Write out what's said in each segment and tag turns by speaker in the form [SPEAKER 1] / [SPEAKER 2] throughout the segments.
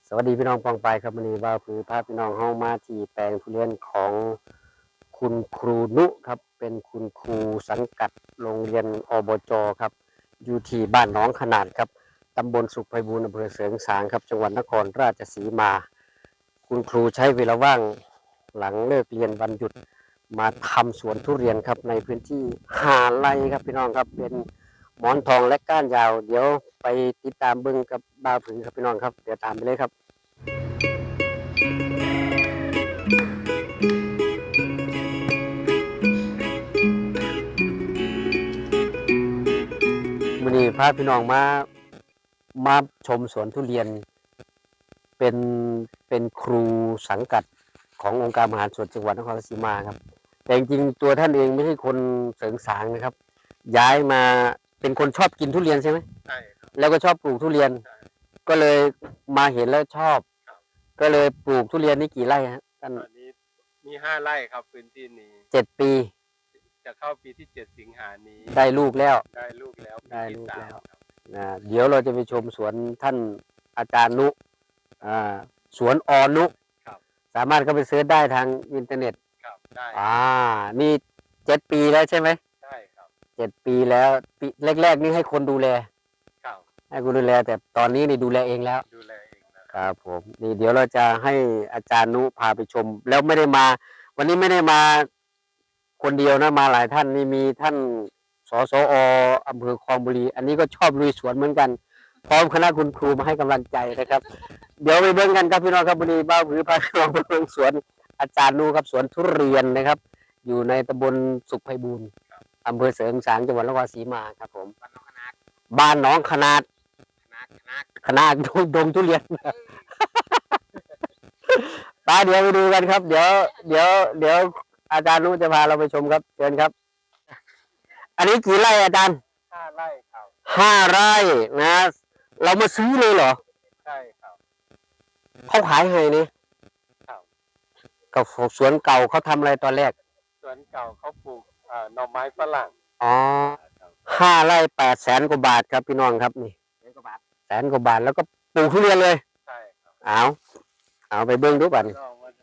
[SPEAKER 1] สวัสดีพี่น้องปองไปครับวันนี้ว่าคือพาพี่น้องเฮามาที่แปลงทุเรียนของคุณครูนุครับเป็นคุณครูสังกัดโรงเรียนอบจครับอยู่ที่บ้านหนองขนาดครับตำบลสุขไพบูลย์อำเภอเสริงสางครับจังหวัดนครราชสีมาคุณครูใช้เวลาว่างหลังเลิกเรียนวันหยุดมาทำสวนทุเรียนครับในพื้นที่5 ไร่ครับพี่น้องครับเป็นหมอนทองและก้านยาวเดี๋ยวไปติดตามเบิ่งกับบ่าวผือครับพี่น้องครับเดี๋ยวตามไปเลยครับวันนี้พาพี่น้องมาชมสวนทุเรียนเป็นเป็นครูสังกัดขององค์การบริหารส่วนจังหวัดนครราชสีมาครับแต่จริงๆตัวท่านเองไม่ใช่คนเสริงสางนะครับย้ายมาเป็นคนชอบกินทุเรียนใช่ไหม
[SPEAKER 2] ใช่ครับ
[SPEAKER 1] แล้วก็ชอบปลูกทุเรียนก็เลยมาเห็นแล้วชอบก็เลยปลูกทุเรียนนี่กี่ไร่ฮะท่าน
[SPEAKER 2] ตอนนี้มี5 ไร่ครับพื้นที่นี้
[SPEAKER 1] 7 ปี
[SPEAKER 2] จะเข้าปีที่7 สิงหานี้
[SPEAKER 1] ได้ลูกแล้ว
[SPEAKER 2] ได้ลูกแล้วปี
[SPEAKER 1] ได้
[SPEAKER 2] ที่
[SPEAKER 1] ลูกแล้ว
[SPEAKER 2] 3ครับ
[SPEAKER 1] เดี๋ยวเราจะไปชมสวนท่านอาจารย์นุสวนอนุ
[SPEAKER 2] ครับ
[SPEAKER 1] สามารถเข้าไปเสิร์ชได้ทางอินเทอร์เน็ต
[SPEAKER 2] ครับได้
[SPEAKER 1] นี่7 ปีแล้วใช่ไหม
[SPEAKER 2] ใช่ครับ
[SPEAKER 1] 7 ปีแล้วปีแรกๆนี่ให้คนดูแล
[SPEAKER 2] ครับ
[SPEAKER 1] ให้คนดูแลแต่ตอนนี้นี่ดูแลเองแล้ว
[SPEAKER 2] ดูแลเอง
[SPEAKER 1] ครับผมนี่เดี๋ยวเราจะให้อาจารย์นุพาไปชมแล้วไม่ได้มาวันนี้ไม่ได้มาคนเดียวนะมาหลายท่านนี่มีท่านสสออำเภอคลองบุรีอันนี้ก็ชอบลุยสวนเหมือนกันพร้อมคณะคุณครูมาให้กำลังใจนะครับเดี๋ยวไปเบิ่งกันครับพี่น้องครับวันนี้บ้าผือพาพี่น้องไปเบิ่งสวนอาจารย์นุครับสวนทุเรียนนะครับอยู่ในตำบลสุขไพบูลย์อำเภอเสริงสางจังหวัดนครศรีมาครับผมบ้านหนองขนาดดงทุเรียนตาเดี๋ยวไปดูกันครับเดี๋ยวอาจารย์นุจะพาเราไปชมครับเชิญครับอันนี้กี่ไร่อาจารย์
[SPEAKER 2] 5 ไร่ครับ
[SPEAKER 1] 5 ไร่นะเรามาซื้อเลยเหรอ
[SPEAKER 2] ใช่ครับ
[SPEAKER 1] เขาขายให้นี่
[SPEAKER 2] ครับ
[SPEAKER 1] กับสวนเก่าเขาทำอะไรตอนแรก
[SPEAKER 2] สวนเก่าเขาปลูกหน่อไม้ฝรั่ง
[SPEAKER 1] อ๋อ5 ไร่800,000 กว่าบาทครับพี่น้องครับนี่100,000 กว่าบาทแล้วก็ปลูกทุเรียนเลย
[SPEAKER 2] ใช่ครับ
[SPEAKER 1] เอาไปเบิ้งดูบัดนี่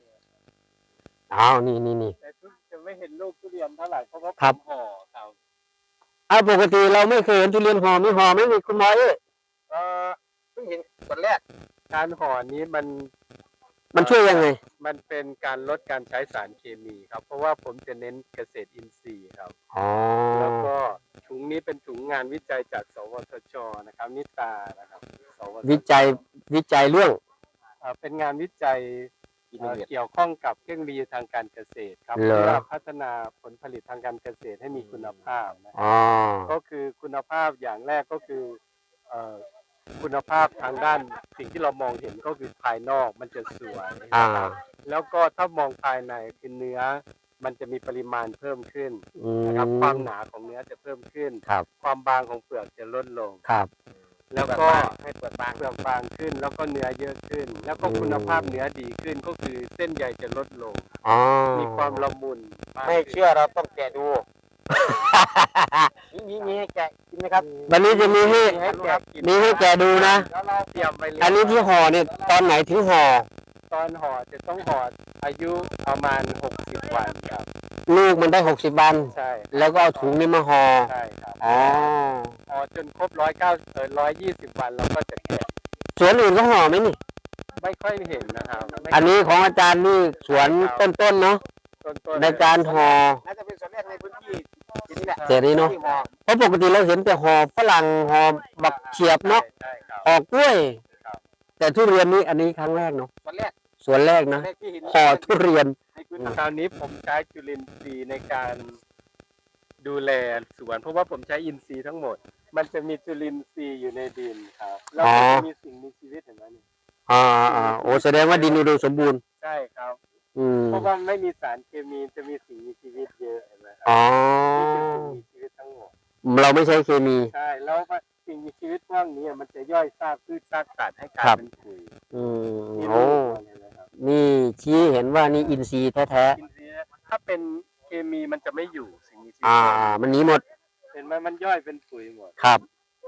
[SPEAKER 1] นี่
[SPEAKER 2] แต่จะไม่เห็นลูกทุเรียนเท่าไหร่เพราะว่าห่อครับ
[SPEAKER 1] ปกติเราไม่เคยเห็นทุเรียนห่อไม่มีคุณหมอเอ้ย
[SPEAKER 2] เพิ่งเห็นคนแรกการห่อนี้
[SPEAKER 1] มันช่วยยังไง
[SPEAKER 2] มันเป็นการลดการใช้สารเคมีครับเพราะว่าผมจะเน้นเกษตรอินทรีย์ครับแล้วก็ถุงนี้เป็นถุงงานวิจัยจากสวทชนะครับนิตานะครับ
[SPEAKER 1] วิจัยเรื่อง
[SPEAKER 2] เป็นงานวิจัยเกี่ยวข้องกับเครื่องมือทางการเกษตรครับเพื่อพัฒนาผลผลิตทางการเกษตรให้มีคุณภาพก็คือคุณภาพอย่างแรกก็คือคุณภาพทางด้านสิ่งที่เรามองเห็นก็คือภายนอกมันจะสวยแล้วก็ถ้ามองภายในคือเนื้อมันจะมีปริมาณเพิ่มขึ้นนะครับความหนาของเนื้อจะเพิ่มขึ้นความบางของเปลือกจะลดลงแล้วก็ให้เปลือกบางขึ้นแล้วก็เนื้อเยอะขึ้นแล้วก็คุณภาพเนื้อดีขึ้นก็คือเส้นใยจะลดลงมีความละมุน
[SPEAKER 3] ไม่เชื่อเราต้องแกะดูมีให้แกะกินไหมครับ
[SPEAKER 1] วันนี้จะมีให้แกะดูนะอันนี้ที่ห่อเนี่ยตอนไหนถึงห่อ
[SPEAKER 2] ตอนห่อจะต้องห่ออายุประมาณ60 วันครับ
[SPEAKER 1] ลูกมันได้60 วัน
[SPEAKER 2] ใช่
[SPEAKER 1] แล้วก็เอาถุงนี้มาห่อ
[SPEAKER 2] ใช่ครับห่อจนครบ120 วันเราก็จะแกะ
[SPEAKER 1] สวนอื่นก็ห่อไหมนี่
[SPEAKER 2] ไม่ค่อยเห็นนะครับ
[SPEAKER 1] อันนี้ของอาจารย์นี่สวนต้นเนาะในการห่อ
[SPEAKER 3] น่าจะเป็นสวนแรกในพื้นที่นี่แหละ
[SPEAKER 1] นี้เนาะเพราะปกติเราเห็นแต่ห่อฝรั่งห่อบักเฉียบเนาะห่อกล้วยแต่ทุเรียนนี้อันนี้ครั้งแรกเนาะสวนแรกนะห่อทุเรียน
[SPEAKER 2] คราวนี้ผมใช้จุลินทรีย์ในการดูแลสวนเพราะว่าผมใช้อินทรีย์ทั้งหมดมันจะมีจุลินทรีย์อยู่ในดินครับแล้วก็จะมีสิ่งมีชีวิตเห็นไหมนี่
[SPEAKER 1] โอ้แสดงว่าดินอุดมสมบูรณ์
[SPEAKER 2] ใช่ครับเพราะว่าไม่มีสารเคมีจะมีสิ่งมีชีวิตเยอะเห็นไหมครับนี่เป็นสิ่งมีชีวิตทั้งหมด
[SPEAKER 1] เราไม่ใช้เคมี
[SPEAKER 2] ใช่แล้วสิ่งมีชีวิตพวกนี้มันจะย่อยซากพืชซากสัตว์ให้กลายเป็นปุ๋ย
[SPEAKER 1] โอ้นี่ชี้เห็นว่านี่อินทรีย์แท้
[SPEAKER 2] ๆถ้าเป็นเคมีมันจะไม่อยู่สิ่งมีชีวิต
[SPEAKER 1] มันหนีหมด
[SPEAKER 2] เห็นไหมมันย่อยเป็นปุ๋ยหมด
[SPEAKER 1] ครับ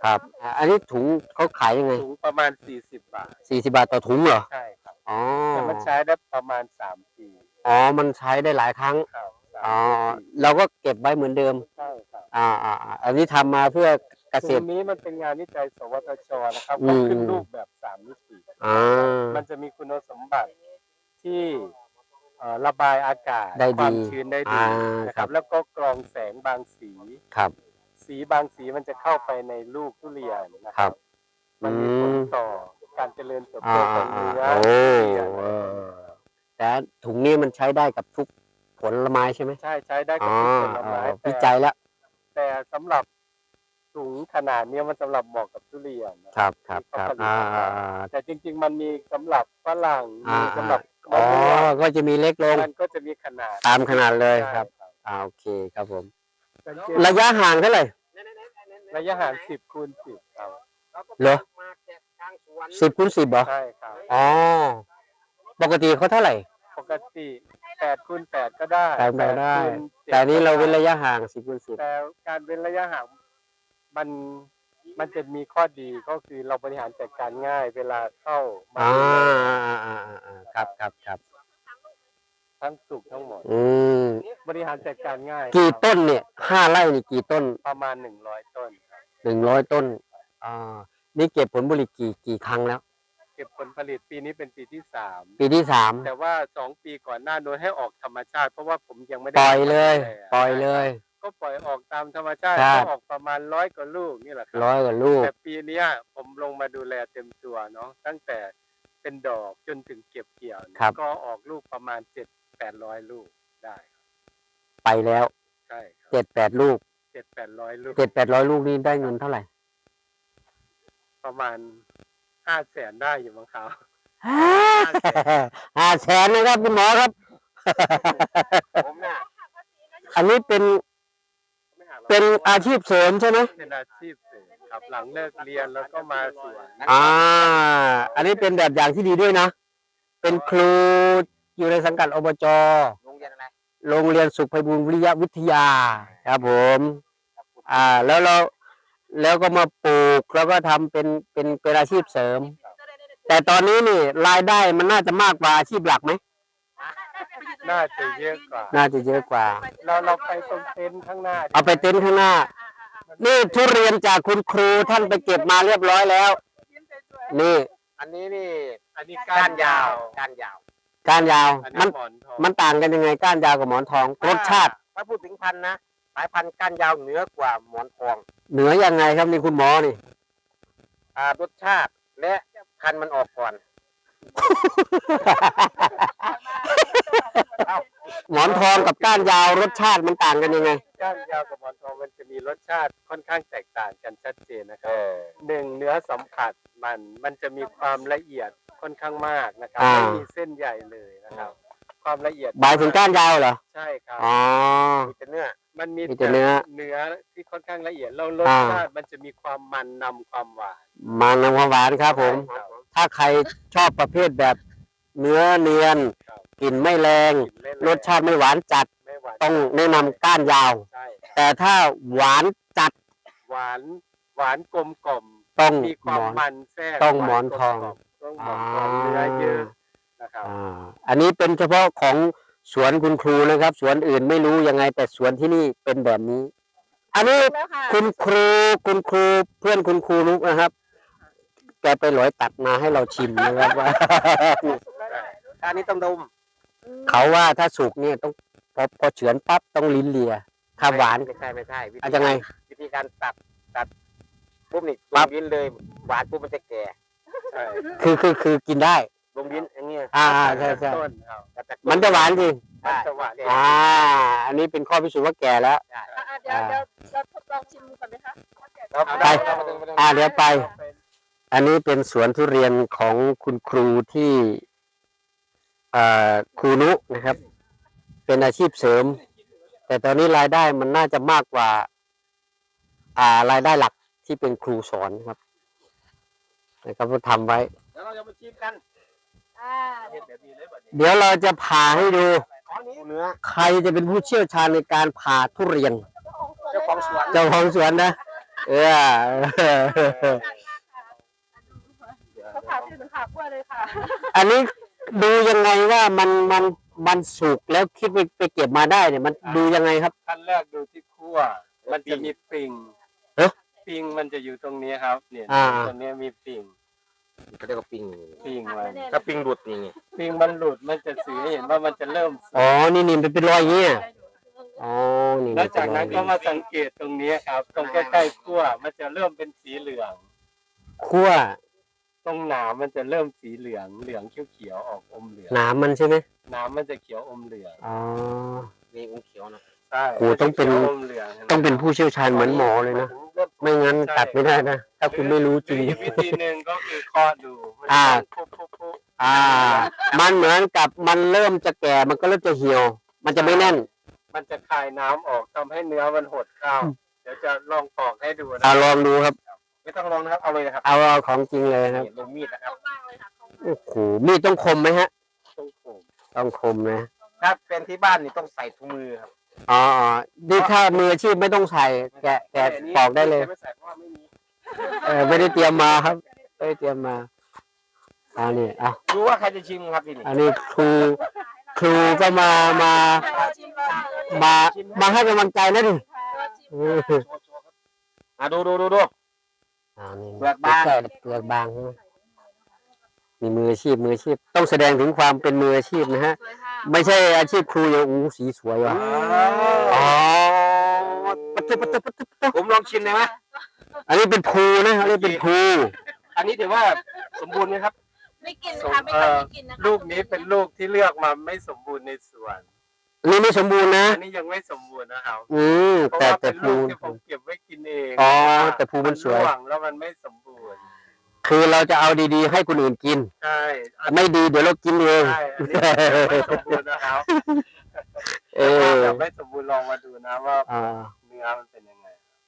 [SPEAKER 1] ครับอันนี้ถุงเขาขายยังไง
[SPEAKER 2] ถุงประมาณ40 บาท
[SPEAKER 1] 40 บาทต่อถุงเหรอ
[SPEAKER 2] ใช่ครับ
[SPEAKER 1] อ๋อ
[SPEAKER 2] แต่มันใช้ได้ประมาณ3 ปี
[SPEAKER 1] อ๋อมันใช้ได้หลายครั้ง
[SPEAKER 2] ครับ
[SPEAKER 1] อ๋อเราก็เก็บไว้เหมือนเดิม
[SPEAKER 2] ใช่ครับ
[SPEAKER 1] อันนี้ทำมาเพื่อเกษ
[SPEAKER 2] ถุ
[SPEAKER 1] ต
[SPEAKER 2] ง
[SPEAKER 1] ร
[SPEAKER 2] นี้มันเป็นงานวิจัยสวทชนะครับ
[SPEAKER 1] อื
[SPEAKER 2] ก็
[SPEAKER 1] ม
[SPEAKER 2] ขึ้นรูปแบบ3 มิติ มันจะมีคุณสมบัติที่ระบายอากาศ
[SPEAKER 1] ได้
[SPEAKER 2] ควา
[SPEAKER 1] ดี
[SPEAKER 2] มชื้นได้ดีนะค
[SPEAKER 1] ครั
[SPEAKER 2] รับ บแล้วก็กรองแสงบางสี
[SPEAKER 1] ครับ
[SPEAKER 2] สีบางสีมันจะเข้าไปในลูกทุเรียนนะ
[SPEAKER 1] ค
[SPEAKER 2] ค
[SPEAKER 1] รั
[SPEAKER 2] รับ บ มันมีผลต่อการเจริญเติบโตของเนื้อ
[SPEAKER 1] โอ้
[SPEAKER 2] ทุเรียน
[SPEAKER 1] แต่ถุงนี้มันใช้ได้กับทุกผลไม้ใช่ไหม
[SPEAKER 2] ใช้ได้กับทุกผลไม้
[SPEAKER 1] วิจัยแล้ว
[SPEAKER 2] แต่สำหรับถุงขนาดนี้มันสำหรับเหมาะกับทุเรียนนะครับ
[SPEAKER 1] ครับ
[SPEAKER 2] ที่เขาผลิตออกมาแต่จริง ๆ มันมีสำหรับฝรั่งมีสำหรับ
[SPEAKER 1] อ๋อก็จะมีเล็กลง
[SPEAKER 2] มันก็จะมีขนาด
[SPEAKER 1] ตามขนาดเลยครับ
[SPEAKER 2] ใช่
[SPEAKER 1] โอเคครับผม
[SPEAKER 2] สังเกต
[SPEAKER 1] ระยะห่างเท่าไหร่
[SPEAKER 2] ระยะห่าง10 คูณ 10ครับ
[SPEAKER 1] เหรอ 10 คูณ 10เหรอ
[SPEAKER 2] ใช่ครับ
[SPEAKER 1] อ๋อปกติเขาเท่าไหร่
[SPEAKER 2] ปกติ8 คูณ 8ก็ได้
[SPEAKER 1] 8คูณได้
[SPEAKER 2] คูณ7
[SPEAKER 1] แต่อันนี้เราเว้นระยะห่าง10 คูณ 10
[SPEAKER 2] แต่การเว้นระยะห่างมันจะมีข้อดีก็คือเราบริหารจัดการง่ายเวลาเข้ามาดูแล
[SPEAKER 1] ครับ
[SPEAKER 2] ทั้งสุกทั้งหมด บริหารจัดการง่าย
[SPEAKER 1] กี่
[SPEAKER 2] ครับ
[SPEAKER 1] ต้นเนี่ย5 ไร่นี่กี่ต้น
[SPEAKER 2] ประมาณ100 ต้นครับ
[SPEAKER 1] 100 ต้นนี่เก็บผลผลิตกี่ครั้งแล้ว
[SPEAKER 2] เก็บผลผลิตปีนี้เป็นปีที่
[SPEAKER 1] ปีที่
[SPEAKER 2] 3แต่ว่า2 ปีก่อนหน้าโน้นให้ออกธรรมชาติเพราะว่าผมยังไม่
[SPEAKER 1] 3
[SPEAKER 2] ได้
[SPEAKER 1] ปล่อยเลย
[SPEAKER 2] ดูแ
[SPEAKER 1] ปล่อยเลย
[SPEAKER 2] ก็ปล่อยออกตามธรรมชาติ
[SPEAKER 1] ครับ
[SPEAKER 2] ก็ออกประมาณ100 กว่าลูกนี่แหละครับ
[SPEAKER 1] 100 กว่าลูก
[SPEAKER 2] แต่ปีเนี้ยผมลงมาดูแลเต็มตัวเนาะตั้งแต่เป็นดอกจนถึงเก็บเกี่ยวเนี่ย
[SPEAKER 1] ครับ
[SPEAKER 2] ก็ออกลูกประมาณ700-800 ลูกได้ครับ
[SPEAKER 1] ไปแล้ว
[SPEAKER 2] ใช่ครับ
[SPEAKER 1] 7-8 ลูก
[SPEAKER 2] 700-800 ลูก
[SPEAKER 1] 700-800 ลูกนี่ได้เงินเท่าไหร่
[SPEAKER 2] ประมาณ500,000ได้อยู่มั้งครับ
[SPEAKER 1] 500,000นะครับคุณหมอครับ
[SPEAKER 3] ผมเนี่ย
[SPEAKER 1] อันนี้เป็นอาชีพเสริมใช่ไหม
[SPEAKER 2] เป็นอาชีพเสริมครับหลังเลิกเรียนแล้วก็มาสวน
[SPEAKER 1] อันนี้เป็นแบบอย่างที่ดีด้วยนะ เป็นครูอยู่ในสังกัดอบจ
[SPEAKER 3] โรงเรียนอะไร
[SPEAKER 1] โรงเรียนสุขไพบูลย์วิริยะวิทยาครับผม แล้วก็มาปลูกแล้วก็ทำเป็นอาชีพเสริม แต่ตอนนี้นี่รายได้มันน่าจะมากกว่าอาชีพหลักไหม
[SPEAKER 2] น่าจะเยอะกว่า
[SPEAKER 1] น่าจะเยอะกว่า
[SPEAKER 2] เราไปตรงเต็นท์ข้างหน้า
[SPEAKER 1] เอาไปเต็นท์ข้างหน้า นี่ทุเรียนจากคุณครูท่านไปเก็บมาเรียบร้อยแล้ว นี่
[SPEAKER 3] อันนี้นี่
[SPEAKER 2] อันนี้
[SPEAKER 3] ก้านยาวก้านยาว
[SPEAKER 1] ก้านยาว
[SPEAKER 2] อัน
[SPEAKER 1] มั
[SPEAKER 2] นี้
[SPEAKER 1] น
[SPEAKER 2] หมอนทอง
[SPEAKER 1] มันต่างกันยังไงก้านยาวกับหมอนทองรสชาติ
[SPEAKER 3] ถ้าพูดถึงพันธุ์นะสายพันธุ์ก้านยาวเหนือกว่าหมอนทอง
[SPEAKER 1] เหนือยังไงครับนี่คุณหมอนี่
[SPEAKER 3] รสชาติและพันธุ์มันออกก่อน
[SPEAKER 1] หมอนทองกับก้านยาวรสชาติมันต่างกันยังไง
[SPEAKER 2] ก้านยาวกับหมอนทองมันจะมีรสชาติค่อนข้างแตกต่างกันชัดเจนนะครับหนึ่งเนื้อสัมผัสมันจะมีความละเอียดค่อนข้างมากนะครับ
[SPEAKER 1] อ่า
[SPEAKER 2] ไม่มีเส้นใหญ่เลยนะครับ ความละเอียด
[SPEAKER 1] หมายถึงก้านยาวเหรอ
[SPEAKER 2] ใช่ครับ
[SPEAKER 1] อ๋อ
[SPEAKER 3] มีแต่เนื้อ
[SPEAKER 2] มันมี
[SPEAKER 1] มีแต่เนื้อ
[SPEAKER 2] เนื้อที่ค่อนข้างละเอียดแล้วรสชาติมันจะมีความมันนำความหวาน
[SPEAKER 1] มันน้ำความหวานครับผม
[SPEAKER 2] ครับ
[SPEAKER 1] ถ้าใครชอบประเภทแบบเนื้อเนียน
[SPEAKER 2] ครับ
[SPEAKER 1] กลิ่นไม่แรง
[SPEAKER 2] กลิ่นไม่แง
[SPEAKER 1] รสชาติไม่หวานจัด
[SPEAKER 2] ไม่หวาน
[SPEAKER 1] ต้องแนะนำก้านยาว
[SPEAKER 2] ใช่
[SPEAKER 1] แต่ถ้าหวานจัด
[SPEAKER 2] หวานกลมกล่อม
[SPEAKER 1] ต้อง
[SPEAKER 2] มีความ
[SPEAKER 1] หมอน
[SPEAKER 2] มันแทรก
[SPEAKER 1] ต้องหมอนทอง
[SPEAKER 2] ต้องหมอนทองเนื้อเยอะนะครับ
[SPEAKER 1] อันนี้เป็นเฉพาะของสวนคุณครูนะครับ สวนอื่นไม่รู้ยังไง แต่สวนที่นี่เป็นแบบนี้ อันนี้คุณครูเพื่อนคุณครูนุกนะครับ แกไปหลอยตัดมาให้เราชิมนะครับว่า
[SPEAKER 3] อันนี้ต้องดม
[SPEAKER 1] เขาว่าถ้าสุกเนี่ยต้องพอเฉือนปั๊บต้องลิ้นเลีย ถ้าหวาน
[SPEAKER 3] ไม่ใช่
[SPEAKER 1] อาจจะไง
[SPEAKER 3] วิธีการตัดปุ๊บนี่
[SPEAKER 1] ปั๊
[SPEAKER 3] ล
[SPEAKER 1] บ
[SPEAKER 3] งลิ้นเลยหวานปุ๊บมันจะแก่
[SPEAKER 2] ใช่
[SPEAKER 1] คือกินได้
[SPEAKER 3] ลงลิ้นอย่างเงี้ย
[SPEAKER 1] ใช่
[SPEAKER 2] ต้นครับ
[SPEAKER 3] แต่จาก
[SPEAKER 1] มันจะหวานจริง
[SPEAKER 2] มันจะหวาน
[SPEAKER 1] อันนี้เป็นข้อพิสูจน์ว่าแก่แล้ว
[SPEAKER 4] เดี๋ยวเราทดลองชิมก่อนไหมคะ
[SPEAKER 1] ไป เดี๋ยวไป อันนี้เป็นสวนทุเรียนของคุณครูที่ครูนุนะครับ เป็นอาชีพเสริม แต่ตอนนี้รายได้มันน่าจะมากกว่ารายได้หลักที่เป็นครูสอนครับนะครับก็ทำไว้
[SPEAKER 3] เดี๋ยวเราจะมาชิมกัน
[SPEAKER 1] เดี๋ยวเราจะผ่าให้ดู
[SPEAKER 3] เนื้อ
[SPEAKER 1] ใครจะเป็นผู้เชี่ยวชาญในการผ่าทุเรียน
[SPEAKER 3] เจ้าของสวน
[SPEAKER 1] เจ้าของสวนนะเออ
[SPEAKER 4] เขาถามที่ถึงขากล้วยเลยค่ะ
[SPEAKER 1] อันนี้ดูยังไงว่ามันสุกแล้วคิดไปเก็บมาได้เนี่ยมันดูยังไงครับ
[SPEAKER 2] ขั้นแรกดูที่คั่วมันจะมีปิ่ง
[SPEAKER 1] เอ๊ะ
[SPEAKER 2] ปิ่งมันจะอยู่ตรงนี้ครับ เนี่ย
[SPEAKER 1] อ่า
[SPEAKER 2] ตรงนี้มีปิ่ง
[SPEAKER 3] เขาเรียกว่าปิง
[SPEAKER 2] ปิ่งมัน
[SPEAKER 3] ถ้าปิงหลุดอย่างงี้
[SPEAKER 2] ปิ่งมันหลุดมันจะสื่อให้เห็นว่ามันจะเริ่มสุก
[SPEAKER 1] อ๋อนี่มันเป็นรอยอย่างเงี้ยอ๋อนี่
[SPEAKER 2] แล้วจากนั้นก็มาสังเกตตรงนี้ครับ ตรงใกล้ๆคั่วมันจะเริ่มเป็นสีเหลือง
[SPEAKER 1] คั่ว
[SPEAKER 2] ตรงหนามมันจะเริ่มสีเหลืองเขียวๆออกอมเหลือง
[SPEAKER 1] หนามมันใช่ไหม
[SPEAKER 2] หนามมันจะเขียวอมเหลือง
[SPEAKER 1] อ๋อ
[SPEAKER 3] นี่อุ้งเขียวนะ
[SPEAKER 2] ใช่
[SPEAKER 1] โอ้ต้องเป็น
[SPEAKER 2] ขียวอมเหลือง
[SPEAKER 1] ต้องเป็นผู้เชี่ยวชาญเหมือนหมอเลยนะไม่งั้นตัดไม่ได้นะถ้าคุณไม่รู้จริง
[SPEAKER 2] หออีกวิธีหนึ่งก็คือเคาะดูมัน
[SPEAKER 1] อ่า
[SPEAKER 2] ปุ๊บ
[SPEAKER 1] มันเหมือนกับมันเริ่มจะแก่มันก็เริ่มจะเหี่ยว มันจะไม่แน่น
[SPEAKER 2] มันจะคายน้ำออกทำให้เนื้อมันหดเข้า เดี๋ยวจะลองปอกให้ดูนะ
[SPEAKER 1] ลองดูครับ
[SPEAKER 3] ไม่ต้องลองนะครับเอาเลยนะครับ
[SPEAKER 1] เอาของจริงเลยครับ
[SPEAKER 3] นี่ลงมีดนะครับ
[SPEAKER 4] มากเลยค่ะ
[SPEAKER 1] โอ้โหมีดต้องคมไหมฮะ
[SPEAKER 2] ต้องโขก
[SPEAKER 1] ต้องคมนะ
[SPEAKER 3] ถ้าเป็นที่บ้านนี่ต้องใส่ถุงมือครับ
[SPEAKER 1] อ๋อนี่ถ้ามืออาชีพไม่ต้องใส่แกะปอกได้เลย
[SPEAKER 3] ไม่ใส่เพราะว่าไม่มี
[SPEAKER 1] ไม่ได้เตรียมมาครับไม่ได้เตรียมมาอันนี้อ่ะ
[SPEAKER 3] ดูว่าใครจะชิมครับที่นี่
[SPEAKER 1] อันนี้ครูก็มาให้กำลังใจนะดิ
[SPEAKER 3] ดู
[SPEAKER 1] นี่
[SPEAKER 3] เปลือกบาง
[SPEAKER 1] เปลือกบางใช่ไหมมีมืออาชีพต้องแสดงถึงความเป็นมืออาชีพนะฮะ ไม่ใช่อาชีพครูอย่างอู้สีสวยว่ะอ๋อปะตุ๊
[SPEAKER 3] ผมลองชิมได้ไหม
[SPEAKER 1] อันนี้เป็นภูนะอันนี้เป็นภู
[SPEAKER 3] อันนี้ถือว่าสมบูรณ์ไหมครับ
[SPEAKER 4] ไม่กินนะคะไม่ค่อยได้กินนะคะ
[SPEAKER 2] ลูกนี้เป็นลูกที่เลือกมาไม่สมบูรณ์ในสวน
[SPEAKER 1] อันนี้ไม่สมบูรณ์นะ
[SPEAKER 2] อันนี้ยังไม่สมบูรณ์นะครับ เพราะ
[SPEAKER 1] แต่
[SPEAKER 2] ว่าเป็น
[SPEAKER 1] ภู
[SPEAKER 2] ลูกที่ผมเก็บไว้กินเอง
[SPEAKER 1] อ๋อแต่ภูมันสวย
[SPEAKER 2] ร่วงแล้วมันไม่สมบูรณ์
[SPEAKER 1] คือเราจะเอาดีๆให้คนอื่นกิน
[SPEAKER 2] ใช่
[SPEAKER 1] ไม่ดีเดี๋ยวเรากินเอง
[SPEAKER 2] ใช่อันนี้ยังไม่สมบูรณ์นะครับ
[SPEAKER 1] เออ
[SPEAKER 2] ยังไม่สมบูรณ์ลองมาดูนะว่า
[SPEAKER 1] อ่า
[SPEAKER 2] เนื้อมันเป็นยังไง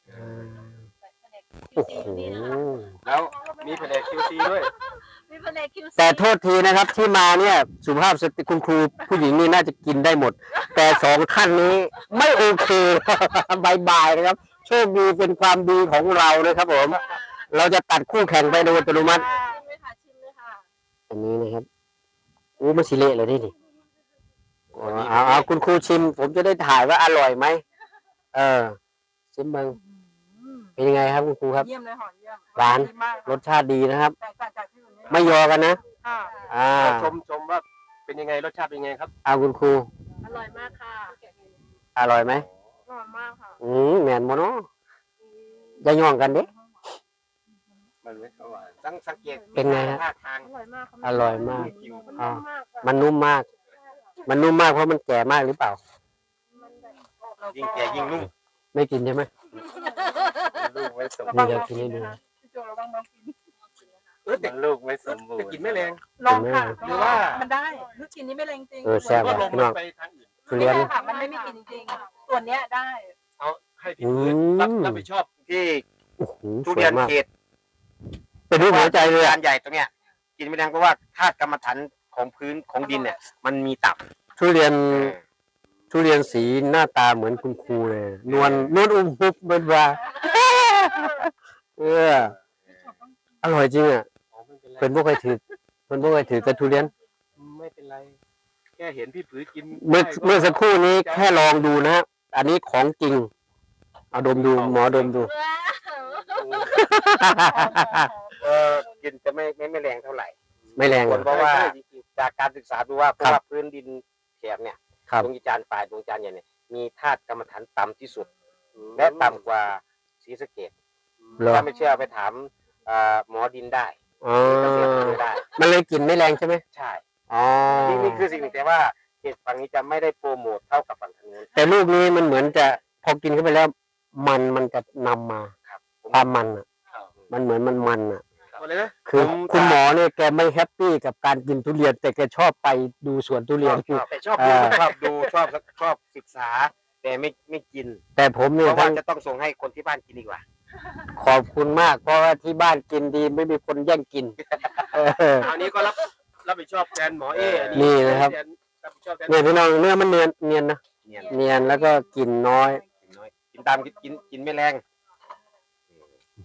[SPEAKER 1] โอ้โห
[SPEAKER 2] แล้วมีแผนก QC ด้วย
[SPEAKER 4] มีแผนก QC
[SPEAKER 1] แต่โทษทีนะครับที่มาเนี่ยสุภาพสตรีคุณครูผู้หญิงนี่น่าจะกินได้หมด แต่สองท่านนี้ไม่โอเค บายบายนะครับโชคดีเป็นความดีของเรานะครับผม เราจะตัดคู่แข่งไปโดยอัตโนมัติ
[SPEAKER 4] ชิมเลยค่ะชิมเลยค่ะ
[SPEAKER 1] อันนี้นะครับอู้มันสิเละเลยนี่อ๋อเอาคุณครูชิม ผมจะได้ถ่ายว่าอร่อยไหมชิมบ้างเป็นยังไงครับคุณครูครับ
[SPEAKER 4] เยี่ยมเลยหอมเยี่ยม
[SPEAKER 1] หวาน
[SPEAKER 4] ดีมาก
[SPEAKER 1] รสชาติดีนะครับ
[SPEAKER 4] แตกต่างจากที่อื่นเนี่ย
[SPEAKER 1] ไม่ยอกันนะ
[SPEAKER 4] ค่ะ
[SPEAKER 2] ชมว่าเป็นยังไงรสชาติเป็นยังไงครับ
[SPEAKER 1] เอาคุณครู
[SPEAKER 4] อร่อยมากค่ะ
[SPEAKER 1] อร่อยไหม
[SPEAKER 4] อร่อยมากค่ะ
[SPEAKER 1] แมนโมโนอย่าย่องกันเด้
[SPEAKER 2] มันไม่หวาน
[SPEAKER 3] สังเกต
[SPEAKER 1] เป็นไงฮะ
[SPEAKER 3] ท่าทาง
[SPEAKER 4] อร่อยมากค่ะ
[SPEAKER 1] อร่อยมาก
[SPEAKER 4] มันนุ่มมากค่ะ
[SPEAKER 1] มันนุ่มมากเพราะมันแก่มากหรือเปล่า
[SPEAKER 4] มันแบบ
[SPEAKER 3] ยิ่งแก่ยิ่งนุ่ม
[SPEAKER 1] ไม่กินใช่ไหม
[SPEAKER 2] ลูกไม่สม
[SPEAKER 1] นี่
[SPEAKER 2] บูร
[SPEAKER 1] เดี๋ยว
[SPEAKER 2] ณ์
[SPEAKER 1] กินให้ดู
[SPEAKER 4] พี่โจระวังมากิน
[SPEAKER 2] มันลูกไม่สมบูร
[SPEAKER 3] แต่
[SPEAKER 2] ณ์
[SPEAKER 3] กินไม่แรง
[SPEAKER 4] ลองค่ะ
[SPEAKER 3] หรือว่า
[SPEAKER 4] มันได้ลูกชิ้นนี้ไม่แรงจริง
[SPEAKER 1] แซ่บ
[SPEAKER 2] ก็
[SPEAKER 1] ว่ะ
[SPEAKER 2] ลง
[SPEAKER 1] พี่น้อง
[SPEAKER 2] ไปทางอื่น
[SPEAKER 1] ทุเรียน
[SPEAKER 4] ไม่ได้ค่ะมันไม่มีกลิ่นจริงๆส่วนเนี้ยได้
[SPEAKER 2] เอาให้พี่พื้นรับผิดชอบ
[SPEAKER 3] ที่
[SPEAKER 1] โอ้โห
[SPEAKER 3] ทุ
[SPEAKER 1] สว
[SPEAKER 3] เรีย
[SPEAKER 1] ย
[SPEAKER 3] น
[SPEAKER 1] มาก
[SPEAKER 3] เขต
[SPEAKER 1] เป็นรูปหัวใจเลย
[SPEAKER 3] จา
[SPEAKER 1] อะ
[SPEAKER 3] นใหญ่ตัวเนี้ย กินไม่แรงเพราะว่าธาตุกรรมฐานของพื้นของดินเนี่ย มันมีตับ
[SPEAKER 1] ทุเรียนสีหน้าตาเหมือนคุณครูเลย นวลอุ้มฟุบเบิดว่าอร่อยจริงอ่ะ
[SPEAKER 2] ไม่เป็นไร
[SPEAKER 1] เป็นพวกใครถือแต่ทุเรียน
[SPEAKER 2] ไม่เป็นไร แค่เห็นพี่ผือกิน
[SPEAKER 1] เมื่อสักครู่นี้แค่ลองดูนะฮะอันนี้ของจริง เอาดมดูหมอดมดู
[SPEAKER 3] กินจะไม่แรงเท่าไหร่
[SPEAKER 1] ไม่แรง
[SPEAKER 3] ผ
[SPEAKER 1] เหร
[SPEAKER 3] ล
[SPEAKER 1] อ
[SPEAKER 3] เพราะว่าจากการศึกษาดูว่าเพราะว่าพื้นดินแถบเนี่ย
[SPEAKER 1] ครับ
[SPEAKER 3] ดวงจันทร์ปลายดวงจันทร์ใหญ่เนี่ยมีธาตุกรรมฐานต่ำที่สุด และต่ำกว่าศรีสะเกษ
[SPEAKER 1] เหรอ
[SPEAKER 3] ถ้าไม่เชื่อไปถามหมอดินได้
[SPEAKER 1] อ๋อ
[SPEAKER 3] เกษตรอำเภอได้
[SPEAKER 1] มันเลยกลิ่นไม่แรงใช่ไหม
[SPEAKER 3] ใช่
[SPEAKER 1] อ๋อ
[SPEAKER 3] นี่คือสิ่งหนึ่งแต่ว่าเขตฝั่งนี้จะไม่ได้โปรโมทเท่ากับฝั่งทางนู้น
[SPEAKER 1] แต่ลูกนี้มันเหมือนจะพอกินเข้าไปแล้ว มันจะนำมาความมันอ่ะ มันเหมือนมันอ่ะ
[SPEAKER 3] เอาเลยนะ
[SPEAKER 1] คือคุณหมอเนี่ยแกไม่แฮปปี้กับการกินทุเรียน แต่แกชอบไปดูสวนทุเรียน
[SPEAKER 3] แต่ชอบดูชอบศึกษา แต่ไม่กิน
[SPEAKER 1] แต่ผม
[SPEAKER 3] เพ
[SPEAKER 1] เนี่ย
[SPEAKER 3] ราะว่า
[SPEAKER 1] ทั้ง
[SPEAKER 3] จะต้องส่งให้คนที่บ้านกินดีกว่า
[SPEAKER 1] ขอบคุณมาก เพราะว่าที่บ้านกินดีไม่มีคนแย่งกิน
[SPEAKER 2] อันนี้ก็รับผิดชอบแทนหมอเออั
[SPEAKER 1] นี่นะครับ
[SPEAKER 2] รับผิดชอบแทน
[SPEAKER 1] เนี่ยพี่น้องเนื้อมันเนียนนะ
[SPEAKER 3] เนี่ย
[SPEAKER 1] เนียนแล้วก็กลิ่นน้อย
[SPEAKER 3] กินน้อยกินตามกินไม่แรง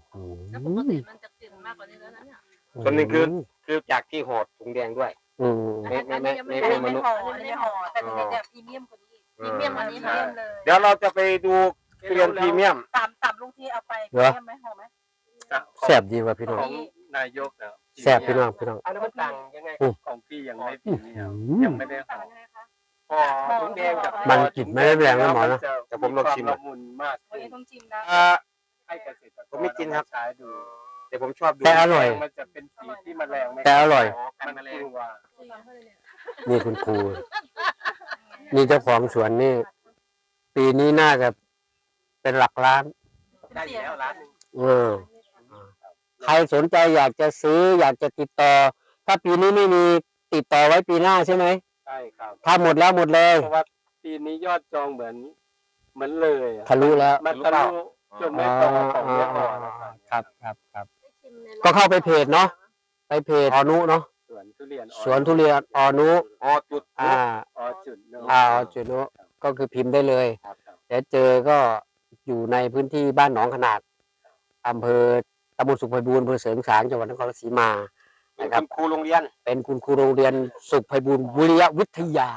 [SPEAKER 5] แล้วปกติมันจะกลิ่นมากกว่านี้แล้วนะเนี่ย
[SPEAKER 3] ส่วนหนึ่งคือจากที่ห่อถุงแดงด้วย
[SPEAKER 1] อืม
[SPEAKER 5] อันนี้ยังไม่
[SPEAKER 4] อัน
[SPEAKER 5] ได้
[SPEAKER 4] นี้ไม่ห่ออันนี้ไม่ห่อแต่อันนี้เนี่ยพรีเมียมกว่านี้พรีเมียมอันนี้พรีเมียมเลย
[SPEAKER 3] เดี๋ยวเราจะไปดูทุเรียนพรีเมียม
[SPEAKER 4] สามลุงที่เอาไปพรีเมียมไหมห่อไหม
[SPEAKER 1] แซ่บดีว่ะพี่น้อง
[SPEAKER 2] ของนายกนะ
[SPEAKER 1] แซ่บพี่น้องพี่น้อง
[SPEAKER 3] อันนั้นมันต่างยังไง
[SPEAKER 2] ของพี่ยังไม่พรีเมียมยังไม่ได้ห่อ
[SPEAKER 3] ห่อถุงแดงกับ
[SPEAKER 1] มันกลิ่นไม่ได้แรงนะหมอนะ
[SPEAKER 3] แต่ผมลองชิม
[SPEAKER 2] ละมุนมาก
[SPEAKER 4] วันนี้ต้องชิมนะ
[SPEAKER 2] ให้เกษตรกร
[SPEAKER 3] ผมไม่กินครับ
[SPEAKER 2] ใช้ดู
[SPEAKER 3] แต่ผมชอบดู
[SPEAKER 1] แต่อร่อย
[SPEAKER 2] มันจะเป็นสีที่แมลงไม่
[SPEAKER 1] แต่อร่อย
[SPEAKER 2] มันกลัว
[SPEAKER 1] นี่คุณครูนี่เจ้าของสวนนี่ ปีนี้น่าจะเป็นหลักล้าน
[SPEAKER 2] ได้อยู่แล้วร้านหนึง
[SPEAKER 1] เออใครสนใจอยากจะซื้ออยากจะติดต่อ ถ้าปีนี้ไม่มีติดต่อไว้ปีหน้าใช่ไหม
[SPEAKER 2] ใช่ครับ
[SPEAKER 1] ถ้าหมดแล้วหมดเลย
[SPEAKER 2] เพราะว่าปีนี้ยอดจองเหมือนเลยอะ
[SPEAKER 1] ทะลุแล้ว
[SPEAKER 2] มันทะลุจนไม่พอของไม่พอนะครับ
[SPEAKER 1] ครับ ก็เข้าไปเพจเนาะ ไปเพจอนุเนาะ
[SPEAKER 2] สวนทุเรียน
[SPEAKER 1] สวนทุเรียนอนุ
[SPEAKER 3] อ๋อจุด
[SPEAKER 1] อ่า
[SPEAKER 2] จุดเนอะ
[SPEAKER 1] จุนุก็คือพิมพ์ได้เลย
[SPEAKER 2] ครับ
[SPEAKER 1] เดี๋ยวเจอก็อยู่ในพื้นที่บ้านหนองขนาดอำเภอตำบลสุขไพบูลย์อำเภอเสริงสางจังหวัดนครราชสีมา
[SPEAKER 3] เป็น
[SPEAKER 1] นะครับ
[SPEAKER 3] คุณครูโรงเรียน
[SPEAKER 1] เป็นคุณครูโรงเรียนสุขไพบูลย์วิริยะวิทยา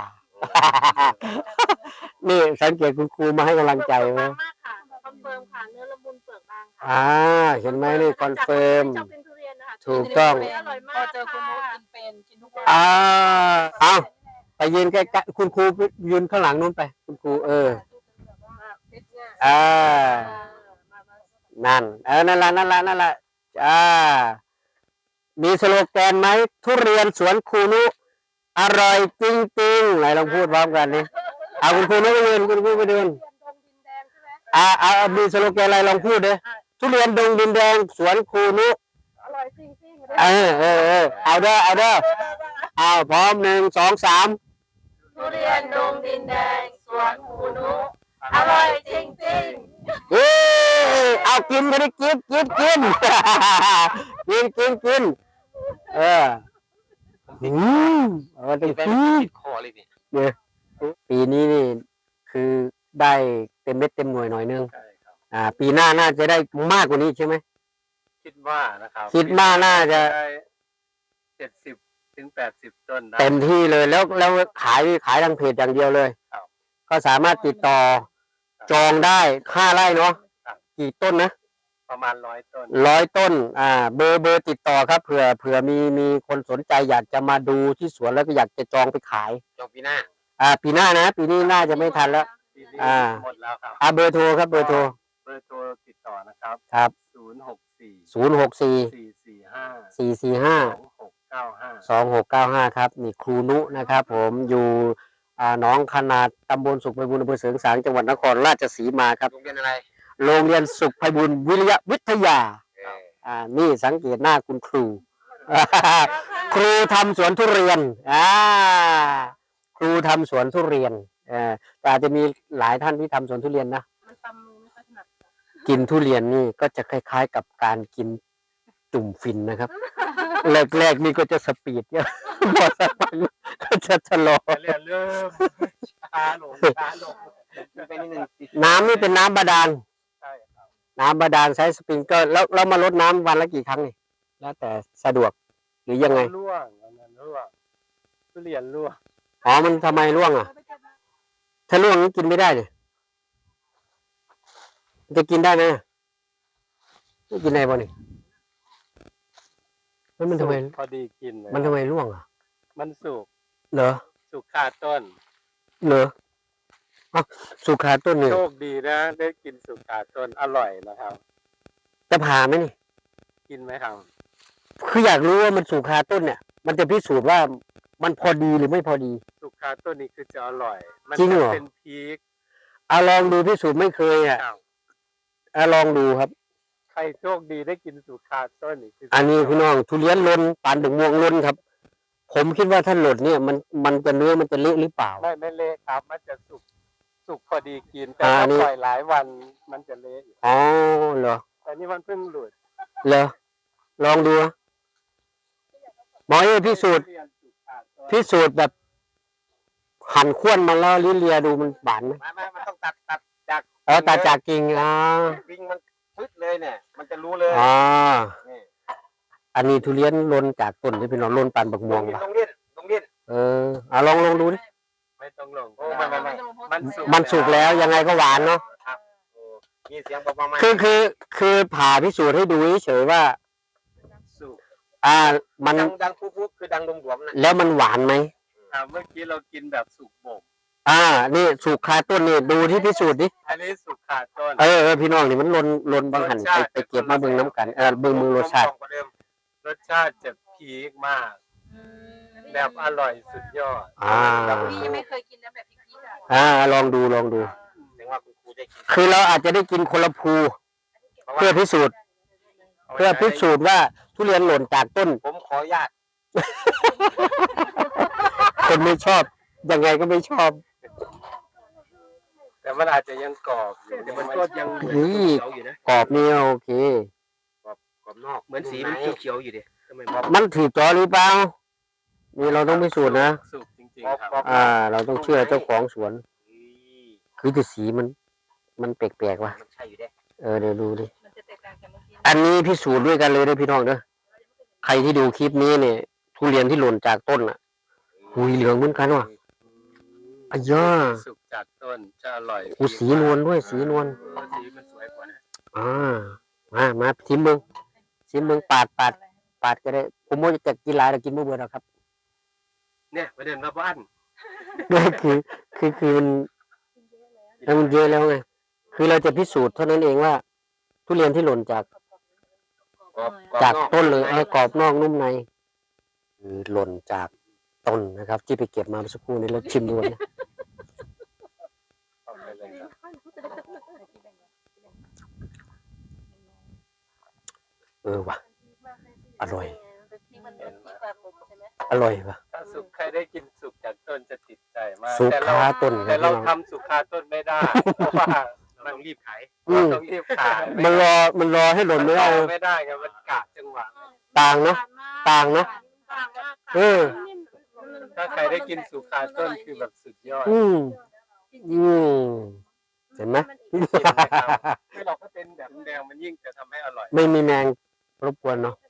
[SPEAKER 1] นี่สังเกตคุณครูมาให้กำลังใจไหม
[SPEAKER 5] มากค่ะคอนเฟิร์มค่ะเนื้อละมุนเปลือกบางค่ะ
[SPEAKER 1] เห็นไหมนี่คอนเฟิร์ม
[SPEAKER 5] ชอบกินทุเรียนนะคะ
[SPEAKER 1] ถูกต้อง
[SPEAKER 5] อร่อยมา
[SPEAKER 4] พอก เจอคุณนุ๊กกินเป็นกินทุกวัน
[SPEAKER 1] เอาไปยืนใกล้ๆคุณครูยืนข้างหลังนู้นไป คุณครูนั่นนั่นละมีสโลแกนไหมทุเรียนสวนครูนุอร่อยจริงๆไหนลองพูดพร้อมกันนี่เอาคุณครูนุไปยืนคุณครูไปยืนมีสโลแกนอะไรลองพูดเลยทุเรียนดงดินแดงสวนครูนุ
[SPEAKER 5] อร่อยจริง
[SPEAKER 1] เอาเด้อเอาพร้อม1 2 3
[SPEAKER 5] ๆทุเรียนดงดินแดงสวนคูนุอร่อยจริง
[SPEAKER 1] เอากินก็ได้กินกิน
[SPEAKER 3] เป็นติดคอเลยนี่
[SPEAKER 1] ปีนี้นี่คือได้เต็มเม็ดเต็มหน่วยหน่อยนึง
[SPEAKER 2] ใช่ครับ
[SPEAKER 1] ปีหน้าน่าจะได้มากกว่านี้ใช่ไหม
[SPEAKER 2] คิดว่านะครับ
[SPEAKER 1] คิดว่าน่าจะ
[SPEAKER 2] ได้70 ถึง 80 ต้นได้
[SPEAKER 1] เต็มที่เลยแล้วขายทางเพจอย่างเดียวเลย
[SPEAKER 2] ครับ
[SPEAKER 1] ก็สามารถติดต่อจองได้5 ไร่เนาะ
[SPEAKER 2] ครับ
[SPEAKER 1] กี่ต้นนะ
[SPEAKER 2] ประมาณ100 ต้น
[SPEAKER 1] 100 ต้นเบอร์ติดต่อครับเผื่อมีคนสนใจอยากจะมาดูที่สวนแล้วก็อยากจะจองไปขาย
[SPEAKER 3] จองปีหน้า
[SPEAKER 1] ปีหน้านะปีนี้น่าจะไม่ทันแล้ว
[SPEAKER 2] ปีนี้
[SPEAKER 1] อ่า
[SPEAKER 2] หมดแล้วครับ
[SPEAKER 1] เบอร์โทรครับเบอร์โทร
[SPEAKER 2] เบอร์โทรติดต่อนะครับ
[SPEAKER 1] ครับ
[SPEAKER 2] 064 445
[SPEAKER 1] 064 445
[SPEAKER 2] 2695
[SPEAKER 1] 2695ครับนี่ครูนุนะครับผมอยู่หนองขนาดตำบลสุขไพบูลย์อำเภอเสริงสางจังหวัดนครราชสีมาครับ
[SPEAKER 3] โรงเรียนอะไร
[SPEAKER 1] โรงเรียนสุขไพบูลย์วิริยะวิทยา
[SPEAKER 3] เออ
[SPEAKER 1] นี่สังเกตหน้าคุณครู ครูทำสวนทุเรียนครูทำสวนทุเรียนแต่อาจจะมีหลายท่านที่ทำสวนทุเรียนนะ
[SPEAKER 4] มันตำมือไม่ค่อยถนัด
[SPEAKER 1] กินทุเรียนนี่ก็จะคล้ายๆกับการกินจุ่มฟินนะครับ แรกๆนี่ก็จะสปีดเยอะ พอสักพักก็จะชะลอ
[SPEAKER 2] เริ่มช้าลง
[SPEAKER 3] ไปนิดนึง
[SPEAKER 1] น้ำนี่เป็นน้ำบาดาล
[SPEAKER 2] ใช่ครับ
[SPEAKER 1] น้ำบาดาลใช้สปริงเกอร์แล้วมาลดน้ำวันละกี่ครั้งนี่แล้วแต่สะดวกหรือยังไง
[SPEAKER 2] ร่วงอันนั้นร่วงทุเรียนร่วง
[SPEAKER 1] มันทำไมร่วงถ้าร่วงกินไม่ได้เนี่ยจะกินได้ไหมไม่กินได้ป่ะนี่มันทำไม
[SPEAKER 2] พอดีกินเลย
[SPEAKER 1] มันทำไมร่วง
[SPEAKER 2] มันสุก
[SPEAKER 1] เหรอ
[SPEAKER 2] สุกคาต้น
[SPEAKER 1] สุขาต้นเนี่ย
[SPEAKER 2] โชคดีนะ ได้กินสุกคาต้นอร่อยนะครับ
[SPEAKER 1] จะผ่าไหมนี่
[SPEAKER 2] กินไหมครับ
[SPEAKER 1] คืออยากรู้ว่ามันสุขาต้นเนี่ย มันจะพิสูจน์ว่ามันพอดีหรือไม่พอดี
[SPEAKER 2] สุกคาต้นนี้คือจะอร่อย มั
[SPEAKER 1] จริงเหรอ
[SPEAKER 2] จะเป็นพีค
[SPEAKER 1] ลองดูพิสูจน์ไม่เคยลองดูครับ
[SPEAKER 2] ใครโชคดีได้กินสุกคาต้นนี่คือ
[SPEAKER 1] อันนี้พี่น้องทุเรียนล้นปานถึงม่วงล้นครับ ผมคิดว่าถ้าหล่นเนี่ยมันจะเนื้อมันจะเละหรือเปล่า
[SPEAKER 2] ไม่เละครับ มันจะสุกพอดีกิน แต่
[SPEAKER 1] อั
[SPEAKER 2] ถ้าน
[SPEAKER 1] นี้
[SPEAKER 2] ปล่อยหลายวันมันจะเละอยู่
[SPEAKER 1] เหรอ
[SPEAKER 2] แต่นี่มันเพิ่งหลุด
[SPEAKER 1] เหรอลองดูนะหมอพิสูจน์
[SPEAKER 2] ทุเรียนสุกคาต้น
[SPEAKER 1] พิสูจน์แบบหั่นข้วนมาแล้วลิ้นเลียดูมันหวานไหม
[SPEAKER 3] ไม่มันต้องตัดจาก
[SPEAKER 1] ตัดจากกิ่ง
[SPEAKER 3] วิ่งมันปึ๊ดเลยเนี่ย มันจะรู้เลย
[SPEAKER 1] อ๋อ
[SPEAKER 3] นี่
[SPEAKER 1] อันนี้ทุเรียนหล่นจากต้นที่พี่น้องหล่นปานบักม่วง
[SPEAKER 3] ต้องเล่น
[SPEAKER 1] เออเอาลองดูดิ
[SPEAKER 2] ไม่ต้องลง
[SPEAKER 3] โอ้ไม่
[SPEAKER 1] มันสุกแล้วยังไงก็หวานเนาะ
[SPEAKER 3] ครับโอ้มีเสียงประมาณ
[SPEAKER 1] คือผ่าพิสูจน์ให้ดูเฉยๆว่า
[SPEAKER 2] สุก
[SPEAKER 1] มัน
[SPEAKER 3] ดังปุ๊บคือดังหลวมๆนะ
[SPEAKER 1] แล้วมันหวานไหม
[SPEAKER 2] เมื่อกี้เรากินแบบสุกบ่ม
[SPEAKER 1] นี่สุกคาต้นนี่ดูที่พิสูจน์ดิ
[SPEAKER 2] อันนี้สุกขาดต้น
[SPEAKER 1] พี่น้องนี่มันลนบางหันไปเก็บมาเบิ่งน้ำกันเบิ่งรสชาติ
[SPEAKER 2] รสชาติจะพีคมาก แบบอร่อยสุดยอด
[SPEAKER 4] พี่ยังไม่เคยกินนะแบบพี่อ่ะ
[SPEAKER 1] ลองดู
[SPEAKER 3] ถึงว่าคุณครูได้กิน
[SPEAKER 1] คือเราอาจจะได้กินคนละภูเพื่อพิสูจน์ว่าทุเรียนหล่นจากต้น
[SPEAKER 3] ผมขออนุญาต
[SPEAKER 1] คนไม่ชอบยังไงก็ไม่ชอบ
[SPEAKER 2] แต่มันอาจจะยังกรอบอยู่
[SPEAKER 3] แต่มันก็ยังเหมือน
[SPEAKER 1] นี่
[SPEAKER 3] เขียวอยู่นะ
[SPEAKER 1] กรอบนี่โอเค
[SPEAKER 3] กรอบนอกเหมือนสีมันเขียวๆอยู่ดิทำไมบอก
[SPEAKER 1] มันถือจอหรือเปล่านี่เราต้องพิสูจน์นะ
[SPEAKER 2] สุกจริงๆครับ
[SPEAKER 1] เราต้องเชื่อเจ้าของสวน คือแต่สีมันแปลกๆว่ะ
[SPEAKER 3] มันใช่อยู่เด้
[SPEAKER 1] เดี๋ยวดูดิ
[SPEAKER 4] มันจะแตกต่างจากเมื่อกี้
[SPEAKER 1] อันนี้พิสูจน์ด้วยกันเลยนะพี่น้องเด้อใครที่ดูคลิปนี้เนี่ยทุเรียนที่หล่นจากต้นอ่ะหุยเหลืองเหมือนกันว่ะอ้ยา
[SPEAKER 2] สุกจากต้นจะอร่อย
[SPEAKER 1] สีนวลด้วยสีนวล
[SPEAKER 2] สีมันสวยกว่านะ
[SPEAKER 1] มาชิมเบิ่งปาดก็ได้ผมว่าจะกินหลายแต่กินไม่เบื่อหรอกครับ
[SPEAKER 2] เนี่ยประเด็นว่าบ้าน
[SPEAKER 1] คือมันเยอะแล้วไงคือเราจะพิสูจน์เท่านั้นเองว่า ทุเรียนที่หล่นจากต้นเลยกรอบนอกนุ่มในคือหล่นจากต้นนะครับ ที่ไปเก็บมาเมื่อสักครู่นี้แล้วชิมดูนะว่ะอร่อย
[SPEAKER 4] ที่มันเป็นที่ปลาหมึกใช่ไหม
[SPEAKER 1] อร่อยว่ะ
[SPEAKER 2] ถ้าสุกใครได้กินสุกจากต้นจะติดใจมาก
[SPEAKER 1] สุก
[SPEAKER 2] แต่
[SPEAKER 1] คาต้น
[SPEAKER 2] แต่เรา
[SPEAKER 1] พี่น้อง
[SPEAKER 2] ทำสุกคาต้นไม่ได้เพราะว่า
[SPEAKER 3] เราต้องรีบขาย
[SPEAKER 1] อืม
[SPEAKER 2] ต้องรีบขาย
[SPEAKER 1] มันรอให้หล่นไม่ได้
[SPEAKER 2] ไม่ได้ไงมันกะจังหวะ
[SPEAKER 1] ต่างเนาะ ต่างเนอะ
[SPEAKER 4] ต่างมาก
[SPEAKER 1] เออ
[SPEAKER 2] ถ้าใครได้กินสุกคาต้นคือแบบสุดยอด
[SPEAKER 1] อืมเห็นไหม
[SPEAKER 2] ไม่หรอกถ้าเป็นแบบแดงมันยิ่งจะทำให้อร่อย
[SPEAKER 1] ไม่มีแมงรบกวนเนาะ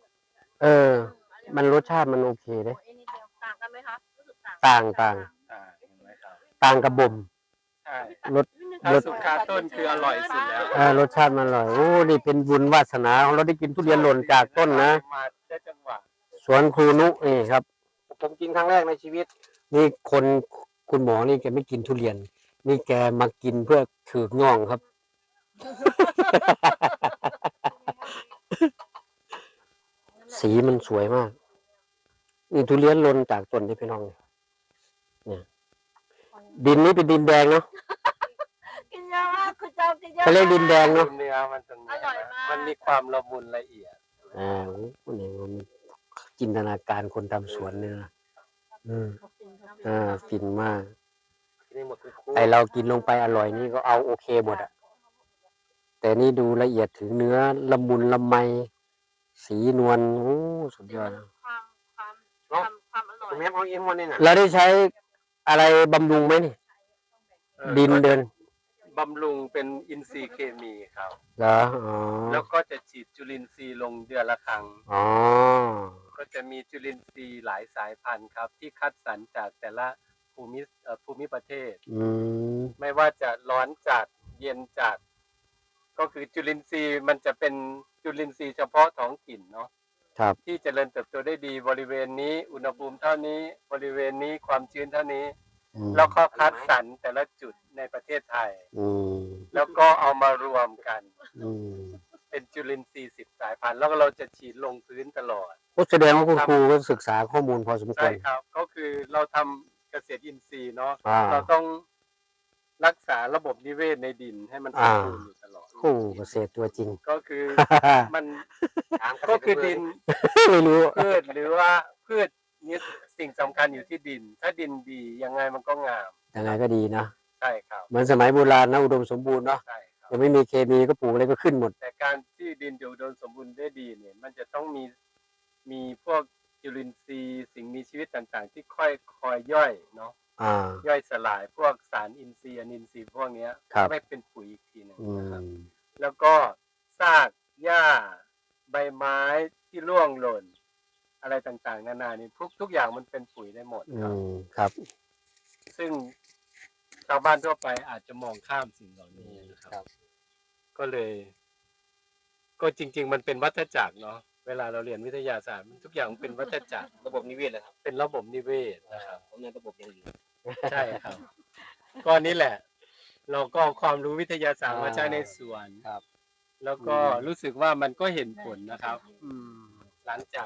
[SPEAKER 1] มันรสชาติมันโอเคเลย
[SPEAKER 4] ต่างกันไหมคะรู้สึก
[SPEAKER 1] ต่าง
[SPEAKER 2] เห็นไหมครับ
[SPEAKER 1] ต่างกับบ่ม
[SPEAKER 2] ใช่
[SPEAKER 1] รส
[SPEAKER 2] ถ้าสุกคาต้นคืออร่อยสุดแล้ว
[SPEAKER 1] รสชาติมันอร่อยโอ้นี่เป็นบุญวาสนาของเราได้กินทุเรียนหล่นจากต้นนะ
[SPEAKER 2] มาได้จังหวะ
[SPEAKER 1] สวนครูนุนี่ครับ
[SPEAKER 3] ผมกินครั้งแรกในชีวิต
[SPEAKER 1] นี่คุณหมอนี่แกไม่กินทุเรียน นี่แกมากินเพื่อถือกง่องครับ สีมันสวยมาก นี่ทุเรียนหล่นจากต้นที่พี่น้องเนี่ยดินนี้เป็นดินแดงเนาะ
[SPEAKER 4] กินเยอะมากคือเจ้ากินเยอะ
[SPEAKER 1] เขาเรียกดินแดงเนาะ
[SPEAKER 2] เนื้อมันจะมันมีความละมุนละเอียด
[SPEAKER 1] นี่มันจินตนาการคนทำสวนเนี่ยนะฟินมาก
[SPEAKER 3] กินได้หมดคุณครู
[SPEAKER 1] ไอเรากินลงไปอร่อยนี่ก็เอาโอเคหมดอะแต่นี่ดูละเอียดถึงเนื้อละมุนละไม สีนวลโอ้สุดยอดนะ
[SPEAKER 4] ความอร่อย
[SPEAKER 3] คุณแม่เอาเองวันนี้น่ะ
[SPEAKER 1] เราได้ใช้อะไรบำรุงไหมนี่ ดินเดิน
[SPEAKER 2] บำรุงเป็นอินทรีย์เคมีครับ
[SPEAKER 1] เหรอ
[SPEAKER 2] แล้วก็จะฉีดจุลินทรีย์ลงเดือนละครั้ง
[SPEAKER 1] อ๋อ
[SPEAKER 2] ก็จะมีจุลินทรีย์หลายสายพันธุ์ครับ ที่คัดสรรจากแต่ละภูมิประเทศ ไม่ว่าจะร้อนจัดเย็นจัดก็คือจุลินทรีย์มันจะเป็นจุลินทรีย์เฉพาะท้องถิ่นเนาะ
[SPEAKER 1] ครับ
[SPEAKER 2] ที่เจริญเติบโตได้ดีบริเวณนี้อุณหภูมิเท่านี้บริเวณนี้ความชื้นเท่านี้ แล้วก็คัดสรรแต่ละจุดในประเทศไทย แล้วก็เอามารวมกัน เป็นจุลินทรีย์10 สายพันธุ์แล้วก็เราจะฉีดลงพื้นตลอด
[SPEAKER 1] ก็แสดงว่าคุณครูก็ศึกษาข้อมูลพอสมคว
[SPEAKER 2] ใช่
[SPEAKER 1] ร
[SPEAKER 2] ครับ ก็คือเราทำเกษตรอินทรีย์เนาะ
[SPEAKER 1] อ่า
[SPEAKER 2] เราต้องรักษาระบบนิเวศในดินให้มันสมบูรณ์อยู่ตลอด
[SPEAKER 1] โอ้เกษตรตัวจริง
[SPEAKER 2] ก็คือมันก็คือดิน
[SPEAKER 1] ไม่รู้
[SPEAKER 2] พืชหรือว่าพืชนี่สิ่งสำคัญอยู่ที่ดิน ถ้าดินดียังไงมันก็งาม
[SPEAKER 1] ยังไงก็ดีนะ
[SPEAKER 2] ใช่ครับ
[SPEAKER 1] เหมือนสมัยโบราณนะอุดมสมบูรณ์เนาะ
[SPEAKER 2] ใช่ครับ
[SPEAKER 1] ยังไม่มีเคมีก็ปลูกอะไรก็ขึ้นหมด
[SPEAKER 2] แต่การที่ดินจะอุดมสมบูรณ์ได้ดีเนี่ยมันจะต้องมีพวกจุลินทรีย์สิ่งมีชีวิตต่างๆ ที่คอยย่อยเนาะ ย่อยสลายพวกสารอินทรีย์อนินทรีย์พวกเนี้ย
[SPEAKER 1] ครับ
[SPEAKER 2] ไม่เป็นปุ๋ยอีกทีหนึง
[SPEAKER 1] อื
[SPEAKER 2] นะครับ
[SPEAKER 1] ม
[SPEAKER 2] แล้วก็ากหญ้าใบไม้ที่ร่วงหล่น อะไรต่างๆนานานี่ทุกอย่างมันเป็นปุ๋ยได้หมดครับ
[SPEAKER 1] ครับ
[SPEAKER 2] ซึ่งชาวบ้านทั่วไปอาจจะมองข้ามสิ่งเหล่านี้นะครับ ก็เลย ก็จริง ๆ มันเป็นวัฏจักรเนาะเวลาเราเรียนวิทยาศาสตร์ทุกอย่างมันเป็นวัฏจักร
[SPEAKER 3] ระบบนิเวศเลยครับ
[SPEAKER 2] เป็นระบบนิเวศนะครับ
[SPEAKER 3] ผมในระบบอย่างอื่น
[SPEAKER 2] ใช่ครับ ก็นี่แหละ เราก็เอาความรู้วิทยาศาสตร์มาใช้ในสวน
[SPEAKER 1] ครับ
[SPEAKER 2] แล้วก็รู้สึกว่ามันก็เห็นผลนะครับ
[SPEAKER 1] อืม
[SPEAKER 2] หลังจาก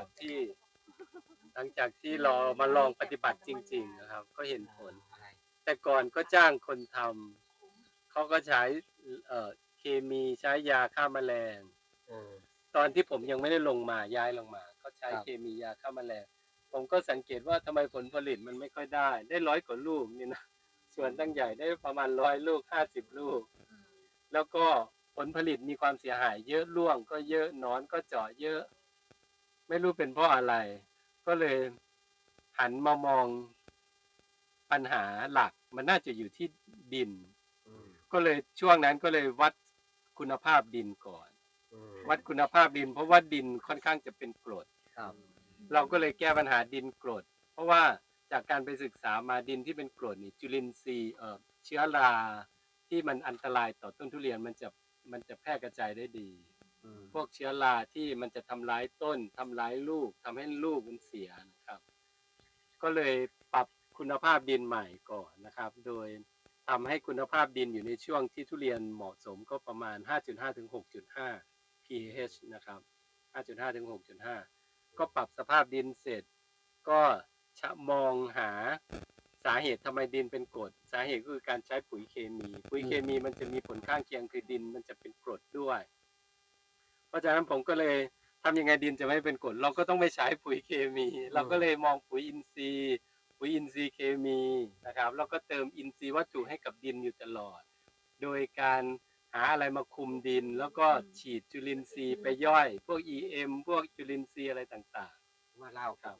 [SPEAKER 2] ที่เรามาลองปฏิบัติจริง ๆ นะครับ ก็เห็นผล แต่ก่อนก็จ้างคนทำเขาก็ใช้เคมีใช้ยาฆ่าแมลง ตอนที่ผมยังไม่ได้ลงมาย้ายลงมาเขาใช้เคมียาฆ่าแมลง ผมก็สังเกตว่าทำไมผลผลิตมันไม่ค่อยได้100 กว่าลูกนี่นะส่วนตั้งใหญ่ได้ประมาณ100 ลูก50 ลูก แล้วก็ผลผลิตมีความเสียหายเยอะร่วงก็เยอะหนอนก็เจาะเยอะ ไม่รู้เป็นเพราะอะไร ก็เลยหันมามองปัญหาหลักมันน่าจะอยู่ที่ดิน ก็เลยช่วงนั้นก็เลยวัดคุณภาพดินก่อน วัดคุณภาพดิน เพราะว่าดินค่อนข้างจะเป็นกรด
[SPEAKER 1] ครับ
[SPEAKER 2] เราก็เลยแก้ปัญหาดินกรด เพราะว่าจากการไปศึกษามาดินที่เป็นกรดนี่จุลินทรีย์เชื้อราที่มันอันตรายต่อต้นทุเรียนมันจะแพร่กระจายได้ดี พวกเชื้อราที่มันจะทำร้ายต้นทำร้ายลูกทำให้ลูกมันเสียนะครับ ก็เลยปรับคุณภาพดินใหม่ก่อนนะครับ โดยทำให้คุณภาพดินอยู่ในช่วงที่ทุเรียนเหมาะสมก็ประมาณ 5.5 ถึง 6.5 pH นะครับ 5.5 ถึง 6.5 ก็ปรับสภาพดินเสร็จ ก็มองหาสาเหตุทำไมดินเป็นกรด สาเหตุก็คือการใช้ปุ๋ยเคมี ปุ๋ยเคมีมันจะมีผลข้างเคียงคือดินมันจะเป็นกรดด้วย เพราะฉะนั้นผมก็เลยทำยังไงดินจะไม่เป็นกรด เราก็ต้องไม่ใช้ปุ๋ยเคมี เราก็เลยมองปุ๋ยอินทรีย์เคมีนะครับแล้วก็เติมอินทรีย์วัตถุให้กับดินอยู่ตลอด โดยการหาอะไรมาคุมดิน แล้วก็ฉีดจุลินทรีย์ไปย่อย พวก EM พวกจุลินทรีย์อะไรต่างๆว่าเล่าครับ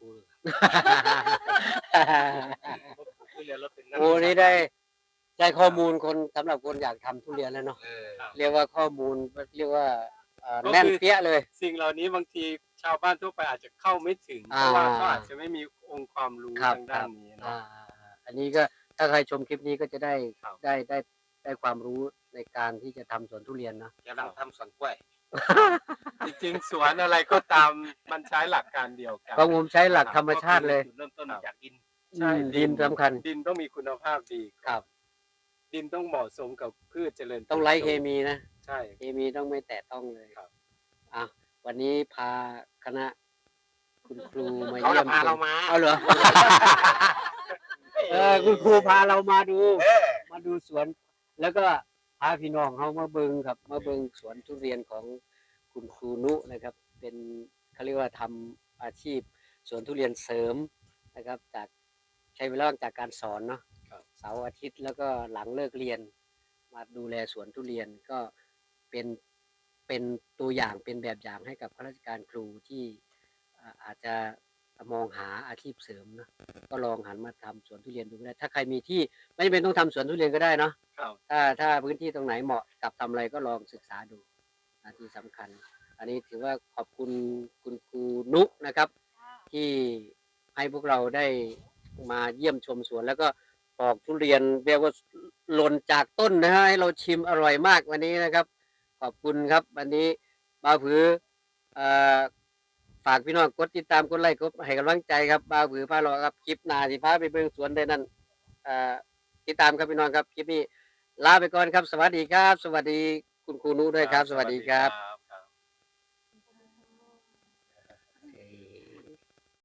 [SPEAKER 1] โอ้นี่ได้ข้อมูลคนสำหรับคนอยากทำทุเรียนแล้วเนาะเรียกว่าข้อมูลเรียกว่าแน่นเปี้ยเลย
[SPEAKER 2] สิ่งเหล่านี้บางทีชาวบ้านทั่วไปอาจจะเข้าไม่ถึงเพราะว่าเขาอาจจะไม่มีองค์ความรู้ทางด้านนี้เนาะ
[SPEAKER 1] อันนี้ก็ถ้าใครชมคลิปนี้ก็จะได้ความรู้ในการที่จะทำสวนทุเรียนเนาะ
[SPEAKER 3] กำลังทำสวนกล้วย
[SPEAKER 2] จริงๆสวนอะไรก็ตามมันใช้หลักการเดียวกัน
[SPEAKER 1] เพราะผมใช้หลักธรรมชาติเลย
[SPEAKER 3] จุดเริ่มต้นจากดิน
[SPEAKER 2] ใช่
[SPEAKER 1] ดินสำคัญ
[SPEAKER 2] ดินต้องมีคุณภาพดี
[SPEAKER 1] ครับ
[SPEAKER 2] ดินต้องเหมาะสมกับพืชเจริญ
[SPEAKER 1] ต้องไร้เคมีนะ
[SPEAKER 2] ใช่
[SPEAKER 1] เคมีต้องไม่แตะต้องเลย
[SPEAKER 2] ครับ
[SPEAKER 1] วันนี้พาคณะคุณครูมา
[SPEAKER 3] เขา
[SPEAKER 1] เยี่ยม
[SPEAKER 3] พาเรามา
[SPEAKER 1] เอาเหรอ คุณครูพาเรามาดูสวน แล้วก็พาพี่น้องเขามาเบิงครับ มาเบิงสวนทุเรียนของคุณครูนุนะครับ เป็นเขาเรียกว่าทำอาชีพสวนทุเรียนเสริมนะครับ จากใช้เวลาว่างจากการสอนเนาะเสาร์อาทิตย์แล้วก็หลังเลิกเรียน มาดูแลสวนทุเรียนก็เป็นตัวอย่างเป็นแบบอย่างให้กับข้าราชการครูที่อาจจะมองหาอาชีพเสริมนะก็ลองหันมาทำสวนทุเรียนดูก็ได้ถ้าใครมีที่ไม่จำเป็นต้องทำสวนทุเรียนก็ได้เนาะ
[SPEAKER 2] ครับ
[SPEAKER 1] ถ้าพื้นที่ตรงไหนเหมาะกับทำอะไรก็ลองศึกษาดูที่สำคัญ อันนี้ถือว่าขอบคุณคุณครูนุนะครับ ที่ให้พวกเราได้มาเยี่ยมชมสวนแล้วก็ปอกทุเรียนเรียกว่าหล่นจากต้นนะฮะให้เราชิมอร่อยมากวันนี้นะครับ ขอบคุณครับวันนี้บ่าวผือฝากพี่น้องกดติดตามกดไลค์กดให้กำลังใจครับบ่าวผือพาเราครับคลิปหน้าสิพาไปเบิ่งสวนได้นั่นติดตามครับพี่น้องครับคลิปนี้ลาไปก่อนครับสวัสดีครับ สวัสดีคุณครูนุด้วยครับ สวัสดีครับ